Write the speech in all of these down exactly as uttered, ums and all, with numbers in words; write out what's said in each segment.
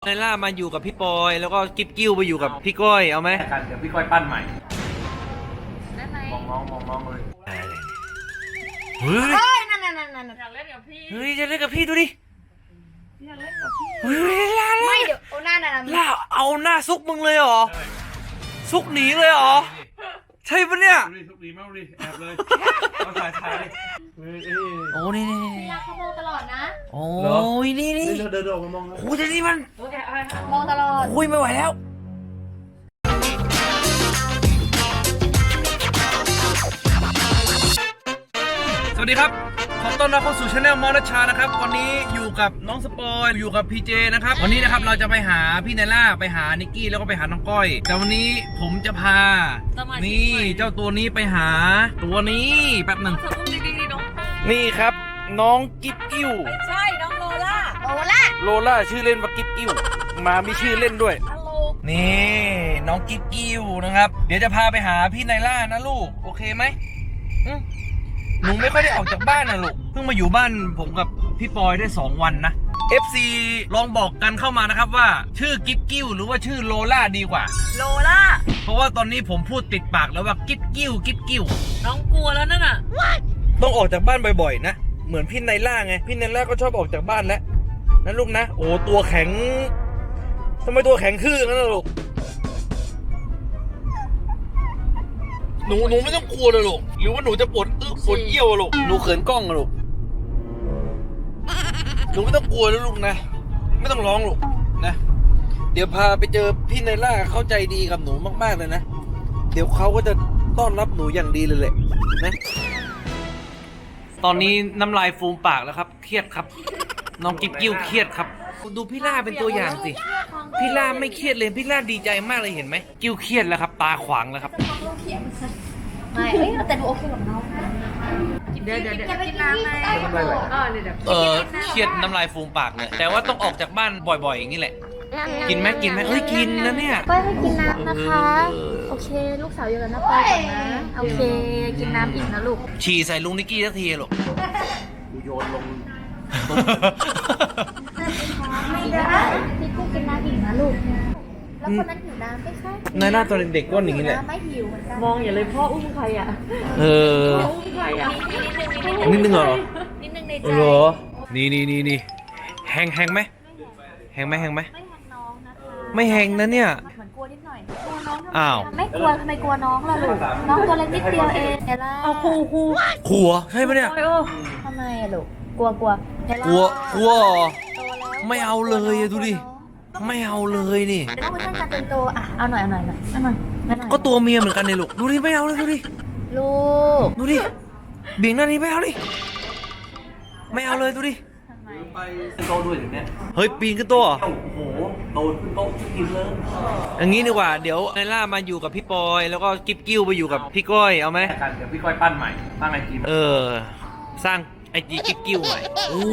ไนล่ามาอยู่กับพี่ปอยแล้วก็กิ๊บกิ้วไปอยู่กับพี่ก้อยเอาไหมกันเดี๋ยวพี่ก้อยปั้นใหม่ได้ไหมมองน้องมองน้องเลยเฮ้ยเฮ้ยนั่นนั่นนั่นนั่นอยากเล่นกับพี่เฮ้ยจะเล่นกับพี่ดูดิอยากเล่นกับพี่เฮ้ยล่าไม่เดี๋ยวเอาหน้านั่นล่าเอาหน้าซุกมึงเลยเหรอซุกหนีเลยเหรอใช่ปะเนี่ยดูดิทุกดีมากดิแอบเลยเอาสายชายดิโอ้นี่นี่นี่พี่รักเขามองตลอดนะโอ้ยนี่นี่เดินเดินออกมามองโอ้ยแต่นี่มันมองตลอดโอ้ยไม่ไหวแล้วสวัสดีครับขอต้อนรับเข้าสู่ช anel มอนัชชานะครับวันนี้อยู่กับน้องสปอยอยู่กับพีเจนะครับวันนี้นะครับเราจะไปหาพี่ไนล่าไปหานิกกี้แล้วก็ไปหาน้องก้อยแต่วันนี้ผมจะพานี่เจ้าตัวนี้ไปหาตัวนี้แป๊บหนึ่งนี่ครับน้องกิ๊บกิ้วใช่น้องโลล่าโลล่าโลล่าชื่อเล่นว่ากิ๊บกิ้วมามีชื่อเล่นด้วยนี่น้องกิ๊บกิ้วนะครับเดี๋ยวจะพาไปหาพี่ไนล่านะลูกโอเคไหมหนูไม่ค่อยได้ออกจากบ้านนะลูกเพิ่งมาอยู่บ้านผมกับพี่ปอยได้สองวันนะ เอฟ ซี ลองบอกกันเข้ามานะครับว่าชื่อกิ๊บกิ้วหรือว่าชื่อโลล่าดีกว่าโลล่าเพราะว่าตอนนี้ผมพูดติดปากแล้วว่ากิ๊บกิ้วกิ๊บกิ้วน้องกลัวแล้วนั่นน่ะต้องออกจากบ้านบ่อยๆนะเหมือนพี่ไนล่าไงพี่ไนล่าก็ชอบออกจากบ้านแล้วนะลูกนะโอ้ตัวแข็งทำไมตัวแข็งขึ้นนั่นลูกหนูหนูไม่ต้องกลัวเลยลูกหรือว่าหนูจะปวดอึปวดเยี่ยวลูกหนูเขินกล้องลูกหนูไม่ต้องกลัวแล้วลูกนะไม่ต้องร้องลูกนะเดี๋ยวพาไปเจอพี่ไนล่าเข้าใจดีกับหนูมากๆเลยนะเดี๋ยวเขาก็จะต้อนรับหนูอย่างดีเลยแหละนะตอนนี้น้ำลายฟูมปากแล้วครับเครียดครับน้องกิ๊บกิ้วเครียดครับดูพี่ล่าเป็นตัวอย่างสิพี่ล่าไม่เครียดเลยพี่ล่าดีใจมากเลยเห็นไหมกิ้วเครียดแล้วครับตาขวางแล้วครับไม่เอ้ยแต่ดูโอเคกับน้องเดี๋ยวเดี๋ยวเดี๋ยวกินน้ำไหมเออเครียดน้ำลายฟูมปากเลยแต่ว่าต้องออกจากบ้านบ่อยๆอย่างนี้แหละกินไหมกินไหมเอ้ยกินนะเนี่ยก้อยให้กินน้ำนะคะโอเคลูกสาวอยู่กับน้าก้อยก่อนนะโอเคกินน้ำอิ่มนะลูกฉี่ใส่ลุงนิกกี้สักทีลูกโยนลงไม่ได้พี่กุ้งกินน้ำอิ่มนะลูกแล้วคนนั้นหิวน้ำไหมคะนายหน้าตอนเด็กๆก็อย่างนี้แหละไม่หิวเหมือนกันมองอย่าเลยพ่ออุ้มใครอ่ะเอออุ้มใครอ่ะนิดนึงเหรอนิดนึงในใจเหรอนี่นี่นี่นี่แหงแหงไหมแหงไหมแหงไหมไม่แหงน้องนะคะไม่แหงนะเนี่ยเหมือนกลัวนิดหน่อยกลัวน้องอ้าวไม่กลัวทำไมกลัวน้องล่ะลูกน้องตัวเล็กนิดเดียวเองเดี๋ยวล่ะเอาครูครูครูใช่ปะเนี่ยทำไมอะลูกกลัวกลัวกลัวกลัวไม่เอาเลยดูดิไม่เอาเลยนี่เดี๋ยวต้องไปตั้งการเป็นตัวอ่ะเอาหน่อยเอาหน่อยหน่อยเอาหน่อยก็ตัวเมียเหมือนกันเลยลูกดูดิไม่เอาเลยดูดิลูกดูดิเบี่ยงหน้านี้ไม่เอาดิไม่เอาเลยดูดิไปโตด้วยอย่างเนี้ยเฮ้ยปีนขึ้นโต๊ะโอ้โหโตขึ้นโต๊ะกินเลยอย่างนี้ดีกว่าเดี๋ยวไนล่ามาอยู่กับพี่ปอยแล้วก็กิ๊บกิ้วไปอยู่กับพี่ก้อยเอาไหมกันเดี๋ยวพี่ก้อยปั้นใหม่ปั้นไอจีเออสร้างไอจีกิ๊บกิ้วใหม่โอ้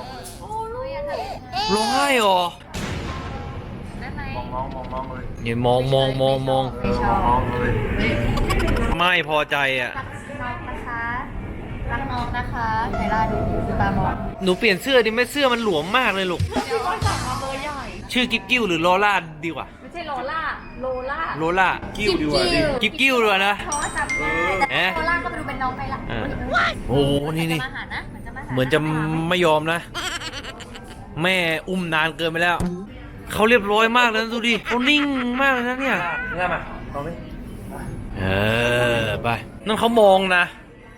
ร้องไห้หรอมองน้องมองน้องเลยอย่ามองมองมองมองมองเลยไม่พอใจอ่ะรักน้องนะคะไนล่าดูดูตามองหนูเปลี่ยนเสื้อดิไม่เสื้อมันหลวมมากเลยลูกชื่อกิ๊บกิ้วหรือโลล่าดีกว่าไม่ใช่โลล่าโลล่าโลล่ากิ้วดีกว่าดิกิ๊บกิ้วดีกว่านะเพราะว่าจำได้แต่โลล่าก็ไปดูเป็นน้องไปละโอ้นี่นี่เหมือนจะไม่ยอมนะแม่อุ้มนานเกินไปแล้วเขาเรียบร้อยมากแล้วดูดิเขานิ่งมากเลยนะเนี่ยง่ายมาลองดิเออไปนั่นเขามองนะ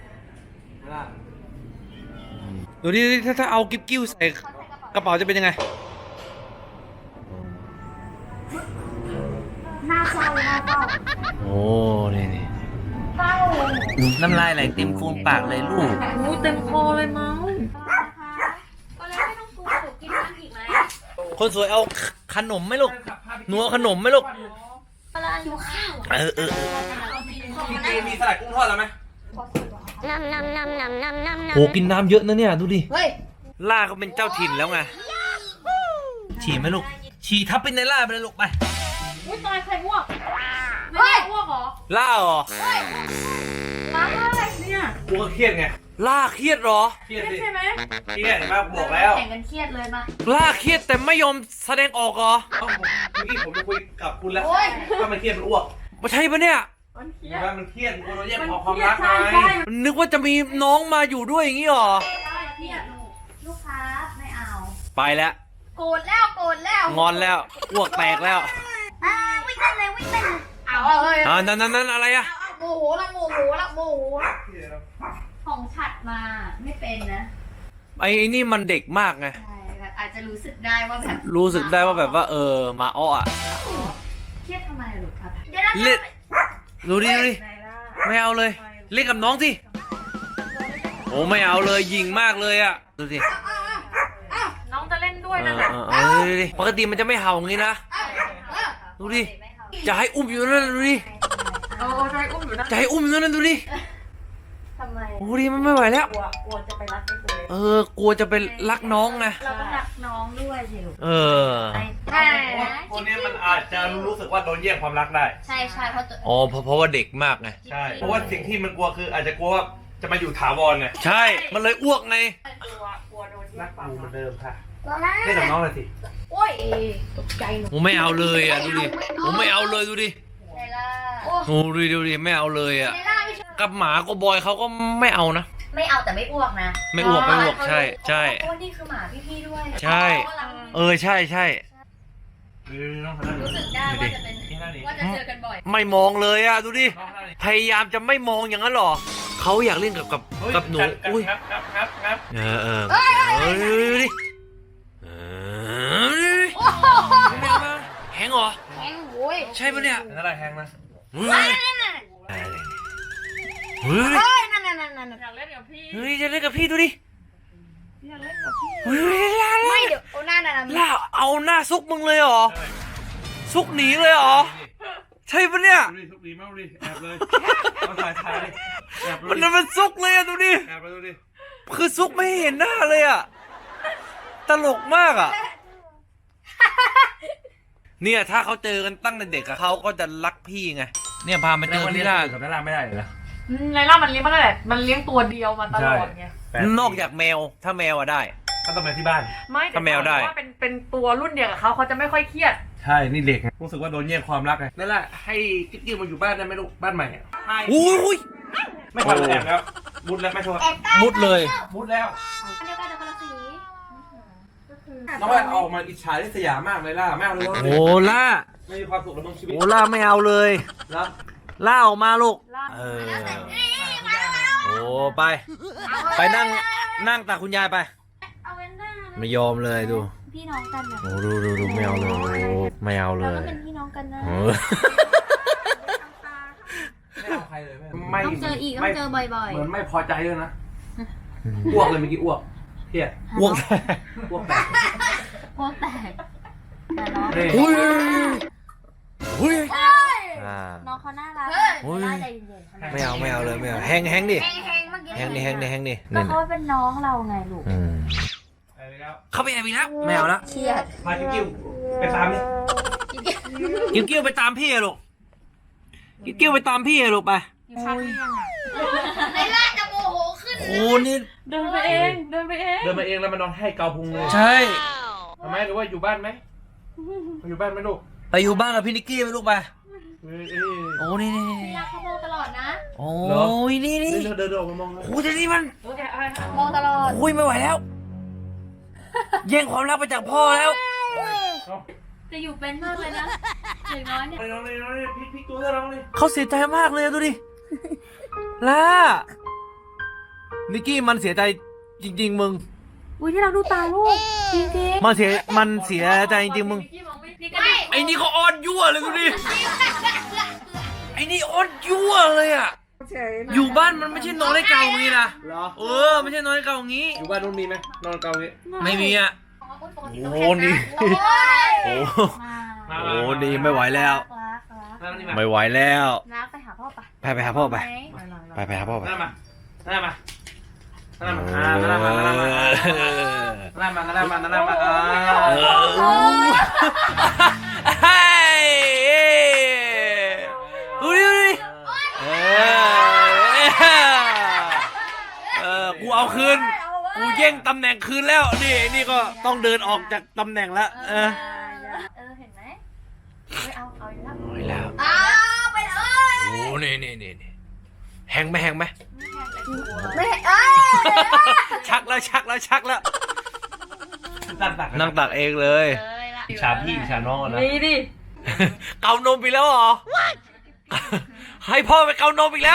ดูดิถ้าถ้าเอากิ๊บกิ้วใส่กระเป๋าจะเป็นยังไงหน้าเศร้าหน้าเศร้าโอ้นี่นี่น้ำลายไหลเต็มโคนปากเลยลูกหูเต็มคอเลยมั้งก็แล้วไม่ต้องกลัวหนูกินน้ำอีกไหมคนสวยเอาขนมไหมลูกหนูเอาขนมไหมลูกเวลาหิวข้าวเออเออพี่เจมีสลัดกุ้งทอดแล้วไหมน้ำน้ำน้ำน้ำน้ำน้ำโอ้กินน้ำเยอะนะเนี่ยดูดิเฮ้ยล่าเขาเป็นเจ้าถิ่นแล้วไงฉี่ไหมลูกฉี่ทับเป็นในล่าไปเลยลูกไปอุ้ยตายใครอ้วกไม่อ้วกเหรอล่าเหรอล้างอะไรเนี่ยกูก็เครียดไงล่าเครียดเหรอเครียดสิใช่ไหมเครียดเห็นไหมบอกแล้วแข่งกันเครียดเลยมาล่าเครียดแต่ไม่ยอมแสดงออกเหรอเอ้าผมเมื่อกี้ผมจะคุยกับคุณแล้วโอ้ยว่ามันเครียดมันอ้วกมาใช่ปะเนี่ยมันเครีเห็ยนดไหมมันเครียดมันโดนแย่งมันขอเคความรียรัดกใช่ไงใช่นึกว่าจะมีน้องมาอยู่ด้วยอย่างงี้เหรอเครียดลูกค้าไม่เอาไปแล้วโกรธแล้วโกรธแล้วงอนแล้วอ้วกแตกแล้วอ่าวิ่งเต้นเลยวิ่งเต้นเอาเอาเลยอ่านั่นนั่นนั่นอะไรอะเอาโมโหละโมโหละโมโหของฉัดมาไม่เป็นนะไอ้นี่มันเด็กมากไงใช่แบบอาจจะรู้สึกได้ว่าแบบรู้สึกได้ว่าแบบว่าเออมาอ้ออะเครียดทำไมลูกครับเล่นดูดิดูดิไหนล่ะไม่เอาเลย เล่นกับน้องสิโอ้ไม่เอาเลยยิงมากเลยอะดูสิน้องจะเล่นด้วยเอนั่นอแหละเออเออดูดิปกติมันจะไม่เห่าอย่างงี้นะดูดิจะให้อุ้มอยู่นั่นดูดิโอ้โอ้ใจอุ้มอยู่นะจะให้อุ้มอยู่นั่นดูดิทำไมโอ้ดิมันไม่ไหวแล้วกลัวกลัวจะไปรักไอ้ตัวเออกลัวจะไปรักน้องไงเราต้องรักน้องด้วยสิลูกเออใช่คนนี้มันอาจจะรู้สึกว่าโดนแย่งความรักได้ใช่ใช่เพราะตัวอ๋อเพราะเพราะว่าเด็กมากไงใช่ เพราะว่าสิ่งที่มันกลัวคืออาจจะกลัวว่าจะมาอยู่ถาวรไงใช่มันเลยอ้วกไงกลัวกลัวโดนแย่รังกความกูเหมืรัอก นเดิมค่ะตัวนั้นเล่นกับน้องเลยสิโอ้ยตกใจหนูผมไม่เอาเลยอ่ะดูดิผมไม่เอาเลยดูดิไนล่าโอ้โอ้ดูดิดูดิไม่เอาเลยอ่ะไนล่าไม่ชอบกับหมาก็บอยเขาก็ไม่เอานะไม่เอาแต่ไม่อ้วกนะไม่อ้วกไม่อ้วกใช่ใช่โอ้นี่คือหมาพี่ๆด้วยใช่ เออใช่ใช่เออน้องคนนั้นรู้สึกได้ว่าจะเป็นนี่นั่นนี่ว่าจะเจอกันบ่อยไม่มองเลยอ่ะดูดิน้องคนนั้นนี่พยายามจะไม่มองอย่างนั้นหรอเขาอยากเล่นกับกับเฮ้ยกับหนูกัดกัดอุ้ยงับงับงับงับเออเออเออดูดิเออไม่เอานะแหงเหรอแข็งโว้ยใช่ปะเนี่ยนั่นแหละแทงนะเฮ้ยนั่นน่ะเฮ้ยเฮ้ยนั่นนั่นนั่นนั่นอยากเล่นกับพี่เฮ้ยจะเล่นกับพี่ดูดิอยากเล่นกับพี่เฮ้ยล่าไม่ล่าเดี๋ยวโอ้นั่นน่ะล่าเอาหน้าซุกมึงเลยเหรอใช่ซุกหนีเลยเหรอ ใช่ปะเนี่ยดูดิทุกดีมากดูดิแอบเลยเอาถ่ายถ่ายดิแอบดูมันดินั่นมันซุกเลยอะดูดิแอบไปดูดิคือซุกไม่ให้เห็นหน้าเลยอะตลกมากอะเนี่ยถ้าเขาเจอกันตั้งแต่เด็กอะเขาก็จะรักพี่ไง เนี่ยพามาเจอพี่ล่ากับน้าล่าไม่ได้เลยนะในล่ามันเลี้ยงมาตั้งแต่มันเลี้ยงตัวเดียวมาตลอดไงนอกจากแมว ถ้าแมวอะได้ก็ต้องไปที่บ้านไม่ถ้าแมวได้ว่าเป็นเป็นตัวรุ่นเดียวกับเขาเขาจะไม่ค่อยเครียดใช่นี่เด็กไงรู้สึกว่าโดนแย่งความรักไงนั่นแหละให้กิ๊กกิ๊กมาอยู่บ้านได้ไหมลูกบ้านใหม่อะให้อุ้ยอุ้ยไม่ทำแอบแล้วมุดแล้วไม่โทษแอบใต้มุดเลยมุดแล้วอันเดียวกันแต่คนละสีน้องว่าออกมาอิจฉาริษยามากเลยล่ะไม่เอาเลยโอ้ล่าไม่มีความสุขแล้วมึงชีวิตโอ้ล่าไม่เอาเลยแล้วล่าออกมาลูกล่าเออ โอ้ไป ไปนั่งนั่งตากคุณยายไปเอาเว้นหน้าไม่ยอมเลยดูพี่น้องกันนะโอ้ดูดูดูไม่เอาเลยโอ้ไม่เอาเลเรายก็เป็นพี่น้องกันนะเออไม่เอาใครเลยไม่ต้องเจออีกต้องเจอบ่อยเหมือนไม่พอใจด้วยนะอ้วกเลยเมื่อกี้อ้วกเพี้ยอ้วกอ้วกแตกๆพวกแตกแต่น้องนี่อุ้ยอุ้ยอ่าน้องเขาน่ารักโอ้ยน่าใจเย็นๆไม่เอาไม่เอาเลยไม่เอาแฮงแฮงดิแฮงๆเมื่อกี้แฮงดิแฮงดิแฮงดิก็นี่เขาเป็นน้องเราไงลูกอืมไปแล้วเข้าไปแอบอีกแล้วไม่เอาละเครียดพากิ๊กกิ๊วไปตามดิกิ้วกิ้วไปตามพี่อะลูกกิ้วกิ้วไปตามพี่อะลูกไปอยู่ข้างเตียงอ่ะในล่าจะโมโหขึ้นโอ้นี่เดินไปเองเดินไปเองเดินมาเองแล้วมานอนให้เกาพุงเลยใช่ทำไมหรือว่าอยู่บ้านไหมอยู่บ้านไหมลูกไปอยู่บ้านกับพี่นิกกี้ไปลูกไปเอ้ยเอ้ยโอ้นี่นี่นี่พี่รักเขามองตลอดนะโอ้ยนี่นี่เดินเดินเดินออกมามองเลยโอ้ยเดี๋ยวนี้มันโอเคเอาไปค่ะมองตลอดโอ้ยไม่ไหวแล้ว แย่งความรักไปจากพ่อแล้วจะอยู่เป็นมากเลยนะอย่างน้อยเนี่ยไปน้องเลยน้องเลยพลิกพลิกตัวเธอน้องเลยเขาเสียใจมากเลยดูดิล่านิกกี้มันเสียใจจริง ๆ มึงอุ้ยที่เราดูตาลูกจริงมันเสียมันเสียใจจริงๆมึงพี่มองไม่พี่ก็ดิไอ้นี่เขาอ้อนยั่วเลยดูดิ ไอ้นี่อ้อนยั่วเลยอ่ะ อยู่บ้านมันไม่ใช่นอนได้เก่าอย่างงี้นะเหรอเออไม่ใช่นอนได้เก่าอย่างงี้อยู่บ้านนู้นมีไหมนอนเกาอย่างนี้ไม่มีอ่ะๆโอ้นี่โอ้ยโอ้มาโหนี่ไม่ไหวแล้วรักรักนั่นนี่มาไม่ไหวแล้วรักไปหาพ่อปะไปไปหาพ่อไปหมไปไปหาพ่อไปนั่นมานั่นมานั่นมาอ่านั่นมานั่นมานั่นมานั่นมานั่นมาอ่าเออเฮ้ยดูดิดูดิเออเออแย่งตำแหน่งคืนแล้วนี่นี่ก็ต้องเดินออกจากตำแหน่งแล้วเออเออเห็นไหมไม่เอาเอาอยู่แล้วเอาอีกแล้วอ้าวไปเลยโอ้นี่นี่นี่นี่แหงไหมแหงไหมไม่เอ้ยชักแล้วชักแล้วชักแล้วตักตักนั่งตักเองเลยเลยละชาพี่ชาน้องนะนี่ดิเกานมไปแล้วเหรอให้พ่อไปเกานมอีกแล้ว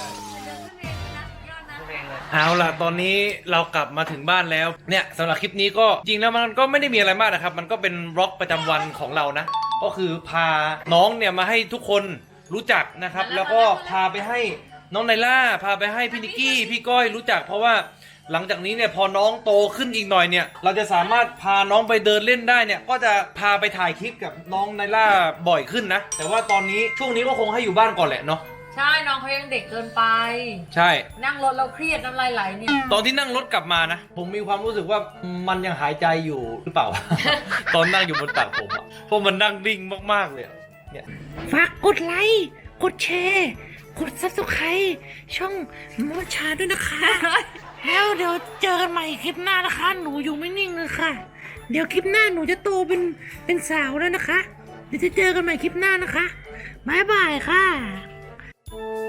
เอาล่ะตอนนี้เรากลับมาถึงบ้านแล้วเนี่ยสำหรับคลิปนี้ก็จริงแล้วมันก็ไม่ได้มีอะไรมากนะครับ มันก็เป็นบล็อกประจำวันของเรานะ ก็คือพาน้องเนี่ยมาให้ทุกคนรู้จักนะครับ แล้วก็พาไปให้น้องไนล่าพาไปให้พี่นิกกี้พี่ก้อยรู้จัก เพราะว่าหลังจากนี้เนี่ยพอน้องโตขึ้นอีกหน่อยเนี่ยเราจะสามารถพาน้องไปเดินเล่นได้เนี่ยก็จะพาไปถ่ายคลิปกับน้องไนล่าบ่อยขึ้นนะแต่ว่าตอนนี้ช่วงนี้ก็คงให้อยู่บ้านก่อนแหละเนาะใช่น้องเขายังเด็กเกินไปใช่นั่งรถเราเครียดน้ำลายไหลเนี่ยตอนที่นั่งรถกลับมานะผมมีความรู้สึกว่ามันยังหายใจอยู่หรือเปล่า ตอนนั่งอยู่บนตักผมอะเพราะมันนั่งดิ่งมากๆเลยอะเนี่ยฝากกดไลค์ กดแชร์ กด ซับสไครบ์ ช่องมอชาด้วยนะคะ แล้วเดี๋ยวเจอกันใหม่คลิปหน้านะคะ หนูอยู่ไม่นิ่งเลยค่ะ เดี๋ยวคลิปหน้าหนูจะโตเป็นเป็นสาวแล้วนะคะ เดี๋ยวจะเจอกันใหม่คลิปหน้านะคะ บ๊ายบายค่ะ